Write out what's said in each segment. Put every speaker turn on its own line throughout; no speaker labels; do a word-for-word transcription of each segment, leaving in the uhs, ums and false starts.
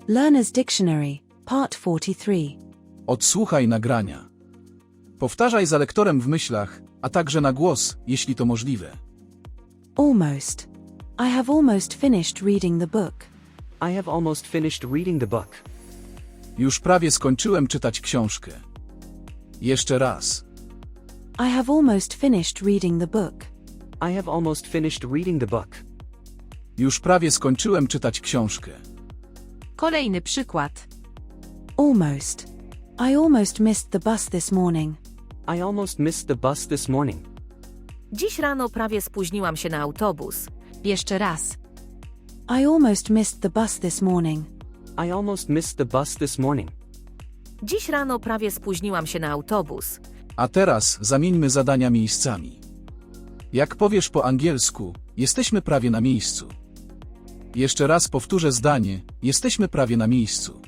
Learner's Dictionary, Part forty-three.
Odsłuchaj nagrania. Powtarzaj za lektorem w myślach, a także na głos, jeśli to możliwe.
Almost. I have almost finished reading the book.
I have almost finished reading the book.
Już prawie skończyłem czytać książkę. Jeszcze raz.
I have almost finished reading the book.
I have almost finished reading the book.
Już prawie skończyłem czytać książkę.
Kolejny przykład.
Almost. I almost missed the bus this morning.
I almost missed the bus this morning.
Dziś rano prawie spóźniłam się na autobus.
Jeszcze raz.
I almost missed the bus this morning.
I almost missed the bus this morning.
Dziś rano prawie spóźniłam się na autobus.
A teraz zamieńmy zadania miejscami. Jak powiesz po angielsku, jesteśmy prawie na miejscu. Jeszcze raz powtórzę zdanie, jesteśmy prawie na miejscu.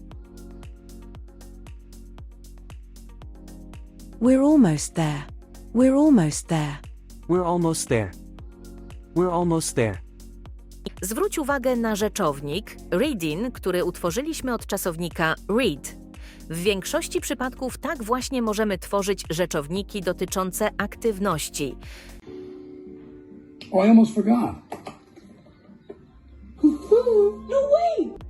We're almost there. We're almost there.
We're almost there. We're almost there.
Zwróć uwagę na rzeczownik reading, który utworzyliśmy od czasownika read. W większości przypadków tak właśnie możemy tworzyć rzeczowniki dotyczące aktywności.
Oh, I almost forgot.
No way!